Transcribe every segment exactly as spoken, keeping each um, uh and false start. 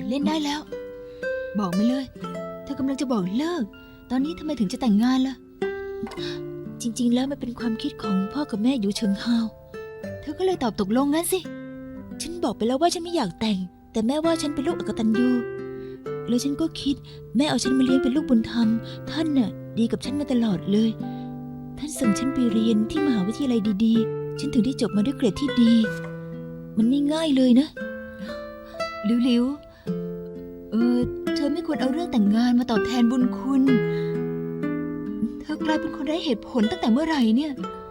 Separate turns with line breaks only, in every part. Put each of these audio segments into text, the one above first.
ดเล่นได้แล้วบอกมาเลยเธอกำลังจะบอกเลิกตอนนี้ทำไมถึงจะแต่งงานล่ะจริงๆแล้วมันเป็นความคิดของพ่อกับแม่อยู่เฉิงฮาวเธอก็เลยตอบตกลงงั้นสิฉันบอกไปแล้วว่าฉันไม่อยากแต่งแต่แม่ว่าฉันเป็นลูกอกตัญญูแล้วฉันก็คิดแม่เอาฉันมาเลี้ยงเป็นลูกบุญธรรมท่านน่ะดีกับฉันมาตลอดเลยท่านส่งฉันไปเรียนที่มหาวิทยาลัยดีๆฉันถึงได้จบมาด้วยเกรดที่ดีมันไม่ง่ายเลยนะหลิวๆเออเธอไม่ควรเอาเรื่องแต่งงานมาตอบแทนบุญคุณเธอกลายเป็นคนไร้เหตุผลตั้งแต่เมื่อไหร่เนี่ย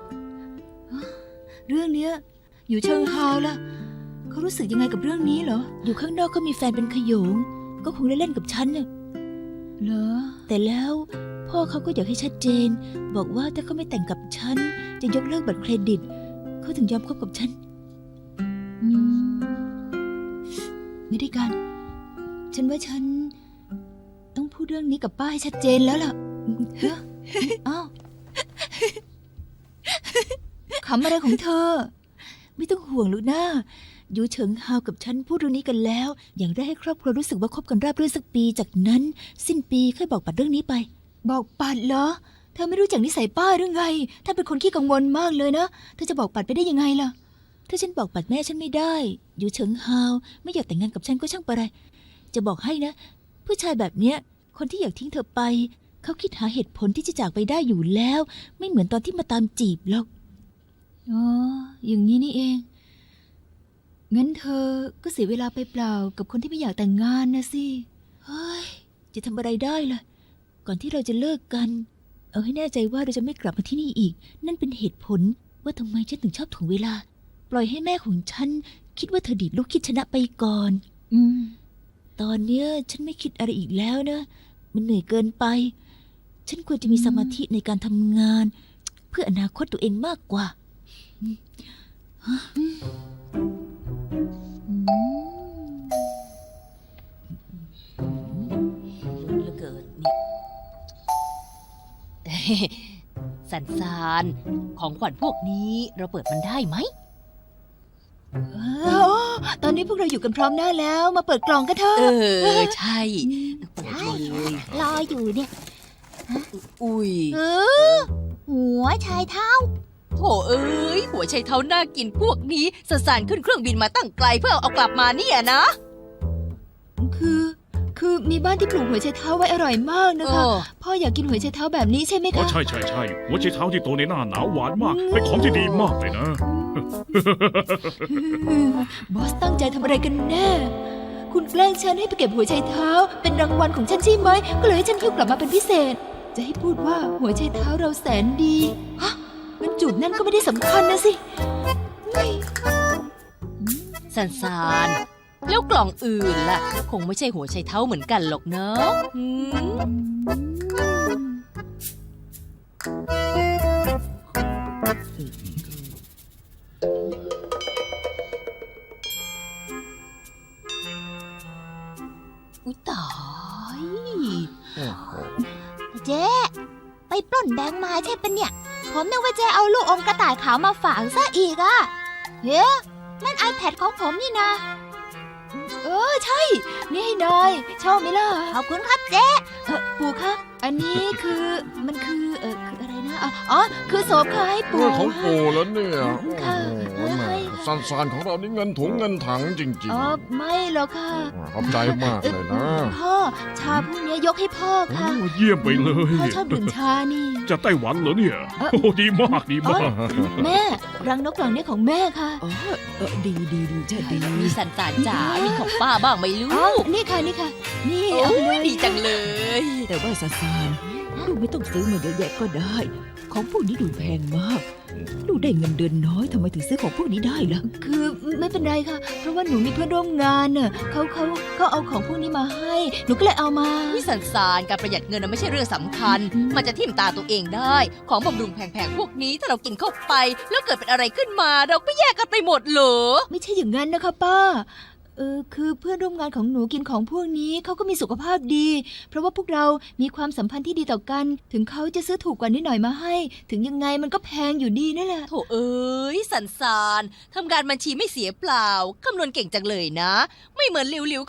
เรื่องเนี้ยอยู่เชิงฮาวล่ะเขารู้สึกยังไงกับเรื่องนี้เหรออยู่ข้างนอกก็มีแฟนเป็นขโยงก็คงได้เล่นกับฉันน่ะเหรอแต่แล้วพ่อเขาก็อยากให้ชัดเจนบอกว่าถ้าเขาไม่แต่งกับฉันจะยกเลิกบัตรเครดิตเขาถึงยอมคบกับฉันอืมไม่ได้กันฉันว่าฉันต้องพูดเรื่องนี้กับป้าให้ชัดเจนแล้วล่ะเฮ้ยอ้าวขำอะไรของเธอไม่ต้องห่วงลูกนะยูเฉิงฮาวกับฉันพูดเรื่องนี้กันแล้วอย่างแรกให้ครอบครัวรู้สึกว่าคบกันราบรื่นสักปีจากนั้นสิ้นปีค่อยบอกปัดเรื่องนี้ไปบอกปัดเหรอเธอไม่รู้จักนิสัยป้าหรือไงถ้าเป็นคนขี้กังวลมากเลยนะเธอจะบอกปัดไปได้ยังไงล่ะถ้าฉันบอกปัดแม่ฉันไม่ได้ยูเฉิงฮาวไม่อยากแต่งงานกับฉันก็ช่างปะไรจะบอกให้นะผู้ชายแบบเนี้ยคนที่อยากทิ้งเธอไปเขาคิดหาเหตุผลที่จะจากไปได้อยู่แล้วไม่เหมือนตอนที่มาตามจีบหรอกอ๋ออย่างนี้นี่เองงั้นเธอก็เสียเวลาไปเปล่ากับคนที่ไม่อยากแต่งงานนะสิเฮ้ยจะทำอะไรได้ล่ะก่อนที่เราจะเลิกกันเอาให้แน่ใจว่าเราจะไม่กลับมาที่นี่อีกนั่นเป็นเหตุผลว่าทำไมฉันถึงชอบถ่วงเวลาปล่อยให้แม่ของฉันคิดว่าเธอดีดลูกคิดชนะไปก่อนอืมตอนเนี้ยฉันไม่คิดอะไรอีกแล้วนะมันเหนื่อยเกินไปฉันควรจะมีสมาธิในการทำงานเพื่ออนาคตตัวเองมากกว่าเหลือเกินนี่สันสานของขวัญพวกนี้เราเปิดมันได้ไหมตอนนี้พวกเราอยู่กันพร้อมหน้าแล้วมาเปิดกล่องกันเถอะเออใช่เปิดเลยรออยู่เนี่ยอุ้ยเออหัวชายเท้าโถเอ้ยหัวชายเท้าน่ากินพวกนี้สสารขึ้นเครื่องบินมาตั้งไกลเพื่อเอากลับมาเนี่ยนะคือคือมีบ้านที่ปลูกหัวไชเท้าไว้อร่อยมากนะคะพ่ออยากกินหัวไชเท้าแบบนี้ใช่ไหมคะ
ใช่ใช่ใช่หัวไชเท้าที่โตในหน้าหนาวหวานมากเป็นของที่ดีมากเลยนะ
บอสตั้งใจทำอะไรกันแน่คุณแกล้งฉันให้ไปเก็บหัวไชเท้าเป็นรางวัลของฉันใช่ไหมก็เลยให้ฉันหิ้วกลับมาเป็นพิเศษจะให้พูดว่าหัวไชเท้าเราแสนดีฮะมันจุดนั่นก็ไม่ได้สำคัญนะสิ
สันสานแล้วกล่องอื่นล่ะคงไม่ใช่หัวไชเท้าเหมือนกันหรอกเนอะ
อุ๊ยตาย
เจ๊ไปปล้นแบงค์มาใช่ปะเนี่ยผมนึกว่าเจ๊เอาลูกอมกระต่ายขาวมาฝากซะอีกอะเฮ้ยนั่น iPad ของผมนี่นะ
เออใช่นี่ให้นายชอบไหมล่ะ
ขอบคุณครับเจ๊
เออปู่คะอันนี้คือมันคือเออคืออะไรนะอ๋อคือโสมค่ะให้ปู่
เรื่องของปู่แล้วเนี่ย
ค่ะ
สันสานของเรานี่เงินถุงเงินถังจริงๆ
อ๋อไม่หรอกค่ะ
ขอบใจมากเลยนะ
พ่อชาพวกนี้ยกให้พ่อค่ะ
เยี่ยมไปเลย
พ่อชอบดื่มชานี่
จะไต้หวันเหรอเนี่ยโอ้ดีมากดีมาก
แม่รังนกกล่องนี้ของแม่ค่ะ
อ๋อดีดีดีจะดีมีสันสานจ๋ามีของป้าบ้างไหมลูก
นี่ค่ะนี่ค่ะนี่
เอาเลยดีจังเลย
แต่ว่าซาซานลูกไม่ต้องซื้อมาเยอะแยะก็ได้ของพวกนี้ดูแพงมากลูกได้เงินเดือนน้อยทำไมถึงซื้อของพวกนี้ได้ล่ะ
คือไม่เป็นไรค่ะเพราะว่าหนูมีเพื่อนร่วมงานเน่ะเขาเขาเขาเอาของพวกนี้มาให้หนูก็เลยเอามา
วิสันสานการประหยัดเงินไม่ใช่เรื่องสำคัญมันจะทิ่มตาตัวเองได้ของบำรุงแพงๆพวกนี้ถ้าเรากินเข้าไปแล้วเกิดเป็นอะไรขึ้นมาเราก็แยกกันไปหมดเหรอ
ไม่ใช่อย่างนั้นนะคะป้าเออคือเพื่อนร่วมงานของหนูกินของพวกนี้เขาก็มีสุขภาพดีเพราะว่าพวกเรามีความสัมพันธ์ที่ดีต่อกันถึงเขาจะซื้อถูกกว่านิดหน่อยมาให้ถึงยังไงมันก็แพงอยู่ดีนั่นแหละ
โถเอ้ยสันสานทำงานบัญชีไม่เสียเปล่าคำนวณเก่งจังเลยนะไม่เหมือนหลิว